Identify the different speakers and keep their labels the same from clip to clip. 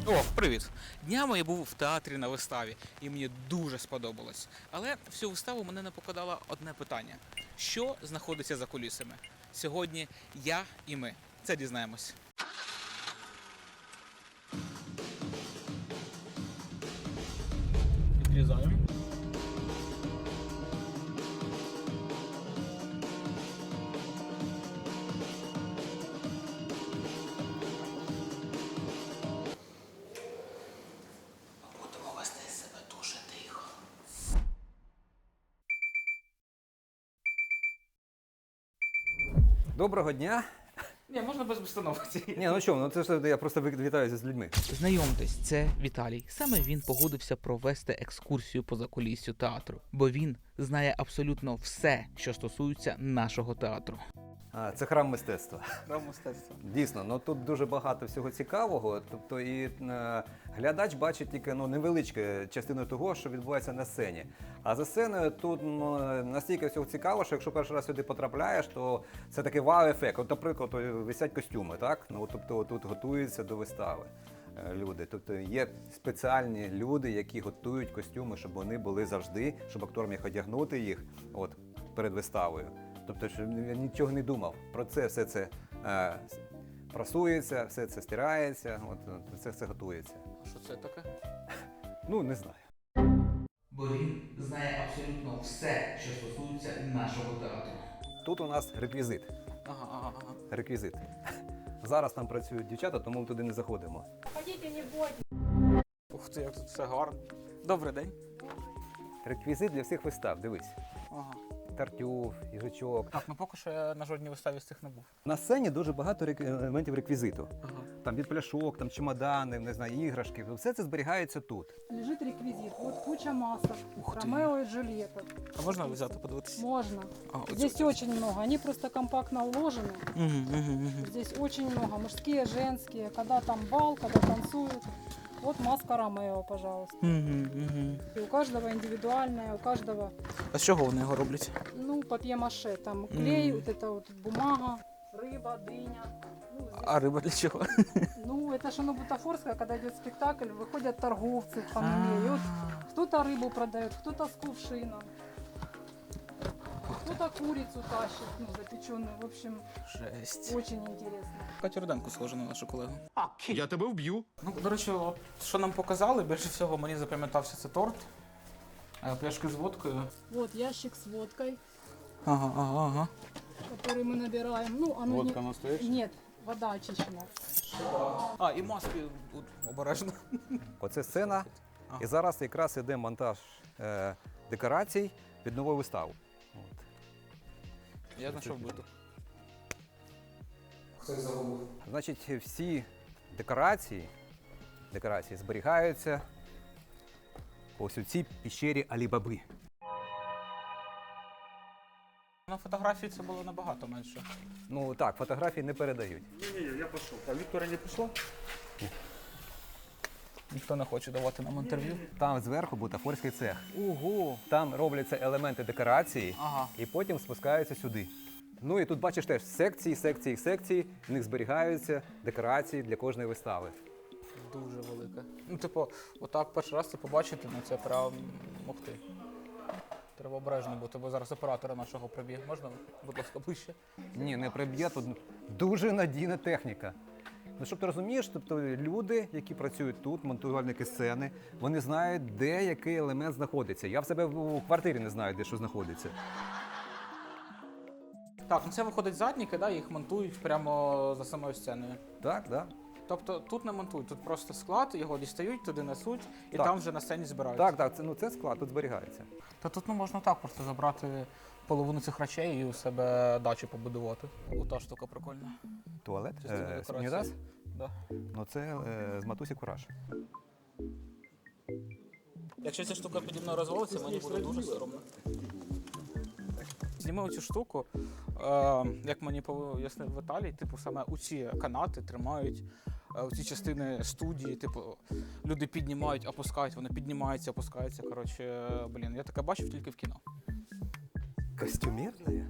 Speaker 1: О, привіт! Днями я був в театрі на виставі, і мені дуже сподобалось. Але всю виставу мене не покидало одне питання: що знаходиться за кулісами? Сьогодні я і ми це дізнаємось. Відрізаємо. Будемо вести себе дуже тихо.
Speaker 2: Доброго дня.
Speaker 1: Ні, можна без установки.
Speaker 2: Ні, ну що, ну це ж я просто вітаюся з людьми.
Speaker 1: Знайомтесь, це Віталій. Саме він погодився провести екскурсію по закуліссю театру, бо він знає абсолютно все, що стосується нашого театру.
Speaker 2: Це храм мистецтва.
Speaker 1: Храм мистецтва.
Speaker 2: Дійсно, ну тут дуже багато всього цікавого. Тобто і глядач бачить тільки невеличку частину того, що відбувається на сцені. А за сценою тут настільки всього цікаво, що якщо перший раз сюди потрапляєш, то це такий вау-ефект. От, наприклад, висять костюми, так? Ну, тобто тут готуються до вистави люди. Тобто є спеціальні люди, які готують костюми, щоб вони були завжди, щоб актор міг одягнути їх перед виставою. Тобто, що я нічого не думав. Про це все це прасується, все це стирається, все це готується.
Speaker 1: А що це таке?
Speaker 2: Ну, не знаю.
Speaker 1: Бо він знає абсолютно все, що стосується нашого театру.
Speaker 2: Тут у нас реквізит.
Speaker 1: Ага.
Speaker 2: Реквізит. Зараз там працюють дівчата, тому ми туди не заходимо.
Speaker 3: Ходіть, не бойтесь.
Speaker 1: Ух ти, як тут все гарно. Добрий день.
Speaker 2: Реквізит для всіх вистав, дивись.
Speaker 1: Ага.
Speaker 2: Тартюф, їжачок.
Speaker 1: Так, ну поки що я на жодній виставі з цих не був.
Speaker 2: На сцені дуже багато елементів реквізиту.
Speaker 1: Ага.
Speaker 2: Там від пляшок, там чемодани, не знаю, іграшки. Все це зберігається тут.
Speaker 3: Лежит реквизит. Вот куча масок.
Speaker 1: Ух ты.
Speaker 3: Ромео и Джульетта.
Speaker 1: А можна взяти, подивитися?
Speaker 3: Можно.
Speaker 1: А,
Speaker 3: Здесь очень много. Они просто компактно уложены.
Speaker 1: Угу.
Speaker 3: Здесь очень много. Мужские, женские. Когда там бал, когда танцуют. Вот маска Ромео, пожалуйста. И у каждого индивидуальная, у каждого,
Speaker 1: А з чого вони його роблять?
Speaker 3: ну, папье-маше. Там клей, вот это вот бумага, рыба, дыня. Ну, здесь,
Speaker 1: А риба для чого?
Speaker 3: ну, это же бутафорская, когда идет спектакль, выходят торговцы в Панаме. И вот кто-то рыбу продает, кто-то с кувшином, кто-то курицу тащит, ну, запеченную. В общем,
Speaker 1: Жесть.
Speaker 3: очень интересно.
Speaker 1: Катю Руденко схожа на нашу колегу.
Speaker 4: Я тебе вб'ю.
Speaker 1: Ну, до речі, от, що нам показали, більше всього мені запам'ятався це торт. Пляшки з водкою.
Speaker 3: Вот ящик с водкой,
Speaker 1: Ага.
Speaker 3: который мы набираем. Ну, оно
Speaker 4: Водка
Speaker 3: не...
Speaker 4: настоящая?
Speaker 3: Нет, вода очищена.
Speaker 1: А, і маски от, обережно.
Speaker 2: Оце сцена. І зараз якраз іде монтаж декорацій під нову виставу. От.
Speaker 1: Я знайшов биту. Хтось загубив.
Speaker 2: Значить, всі декорації зберігаються ось у цій піщері Алі-Баби.
Speaker 1: На фотографії це було набагато менше.
Speaker 2: Ну так, фотографії не передають.
Speaker 4: Не, я пошел. А Виктория не пришла?
Speaker 1: Ніхто не хоче давати нам інтерв'ю.
Speaker 2: Там зверху бутафорський цех.
Speaker 1: Ого!
Speaker 2: Там робляться елементи декорації
Speaker 1: Ага.
Speaker 2: і потім спускаються сюди. Ну і тут бачиш теж секції, в них зберігаються декорації для кожної вистави.
Speaker 1: Дуже велика. Ну, типу, отак перший раз це побачити, ну це прям мохти. Треба обережно бути, бо зараз оператора нашого приб'є. Можна, будь ласка, ближче?
Speaker 2: Ні, не приб'є, тут дуже надійна техніка. Ну, щоб ти розумієш, тобто люди, які працюють тут, монтувальники сцени, вони знають, де який елемент знаходиться. Я в себе у квартирі не знаю, де що знаходиться.
Speaker 1: Так, ну це виходить задніки, да, їх монтують прямо за самою сценою.
Speaker 2: Так, так.
Speaker 1: Тобто тут не монтують, тут просто склад, його дістають, туди несуть і
Speaker 2: Так.
Speaker 1: там вже на сцені збирають.
Speaker 2: Так, це склад, тут зберігається.
Speaker 1: Та тут можна так просто забрати половину цих речей і у себе дачу побудувати. Ота штука прикольна.
Speaker 2: Туалет?
Speaker 1: Частина декорації.
Speaker 2: Унітаз?
Speaker 1: Да.
Speaker 2: Ну це з матусі Кураж.
Speaker 1: Якщо ця штука піді мною розвалиться, мені буде дуже соромно. Зніми оцю штуку, як мені пояснив Віталій, типу саме оці канати тримають оці частини студії, типу люди піднімають, опускають, вони піднімаються, опускаються. Коротше, блін, я таке бачив тільки в кіно.
Speaker 2: Костюмерне?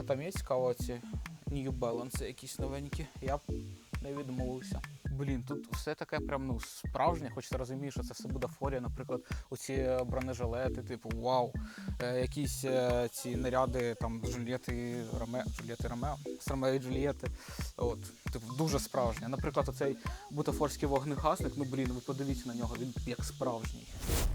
Speaker 1: там є цікаво, ці New Balance якісь новенькі. Я б не відмовився. Блін, тут все таке прям, ну, справжнє, хоч ти розумієш, що це все бутафорія, наприклад, оці бронежилети, типу, вау, якісь ці наряди, там, Джульєти Ромео, з Ромео і Джульєти, от, типу, дуже справжнє. Наприклад, оцей бутафорський вогнегасник, ну, блін, ви подивіться на нього, він як справжній.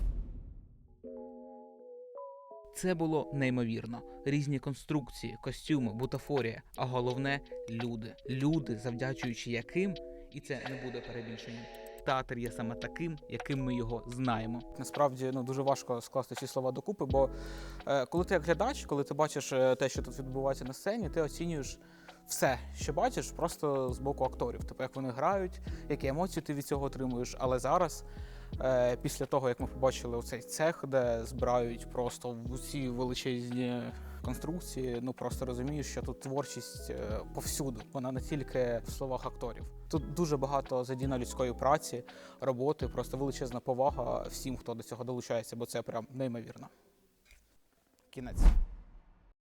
Speaker 5: Це було неймовірно. Різні конструкції, костюми, бутафорія, а головне – люди. Люди, завдячуючи яким, і це не буде перебільшенням, театр є саме таким, яким ми його знаємо.
Speaker 1: Насправді, ну, дуже важко скласти ці слова докупи, бо коли ти як глядач, коли ти бачиш те, що тут відбувається на сцені, ти оцінюєш все, що бачиш, просто з боку акторів. Тобто, як вони грають, які емоції ти від цього отримуєш. Але зараз, після того, як ми побачили оцей цех, де збирають просто ці величезні конструкції, ну просто розумієш, що тут творчість повсюду, вона не тільки в словах акторів. Тут дуже багато задіяно людської праці, роботи, просто величезна повага всім, хто до цього долучається, бо це прям неймовірно. Кінець.